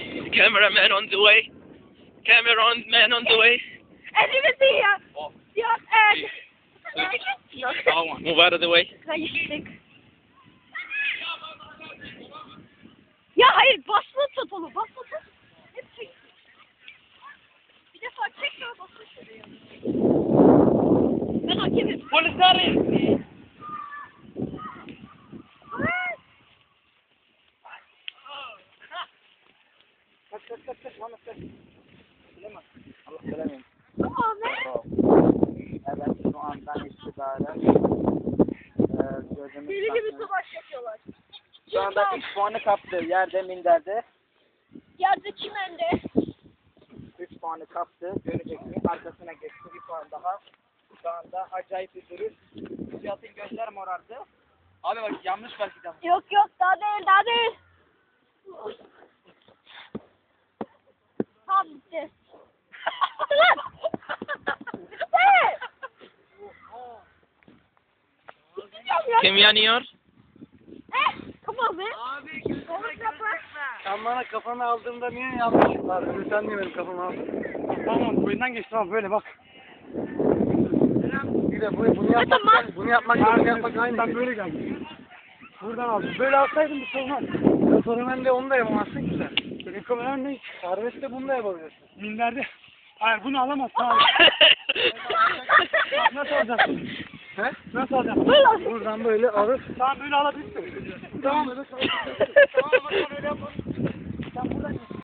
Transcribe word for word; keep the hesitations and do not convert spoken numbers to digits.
Cameraman on the way. Cameraman on the way. Elimizi ya. Ya el. Move out of the way. Kayıştık. Ya hayır basılı tut onu basılı tut. Hep çek. Bir defa çek sonra basılı şuraya. Ben hakemim. Polisler! Kaç kaç kaç kaç bana kaç. Bilemem. Allah bilemem. Tamam ne? Evet şu andan itibaren eee gözümüz Deli gibi takmıyor. savaş yapıyorlar. Şu anda üç puanı kaptı yerde minderde. Yerde çimende. üç puanı kaptı. Göreceksin arkasına geçti bir puan daha. Şu anda acayip bir duruş. Cihat'ın gözler morardı. Abi bak yanlış belki de. Yok yok daha değil daha değil. Tamam bitti. Hadi lan. Bitti. Biteceğim ya. Kim yanıyor? Eh, tamam be. Abi Komik yapma. sen bana kafanı aldığımda niye yanlış var? Sen niye benim kafamı aldın? Tamam boyundan geçti abi böyle bak. Bir de bu, bunu yapmak, Tamam. bunu yapmak, bunu yapmak aynı şey. Sen böyle geldin. Buradan aldım. Böyle alsaydın bir şey olmaz. Ya sorun de onu da yapamazsın ki sen. Benim kameram ne? Serbestte bunu da yapabilirsin. Minderde. Hayır bunu alamazsın abi. Nasıl alacaksın? He? Nasıl alacaksın? Böyle al. Buradan böyle alır. Tamam böyle alabilirsin. Tamam. Tamam öyle yapalım. Sen buradan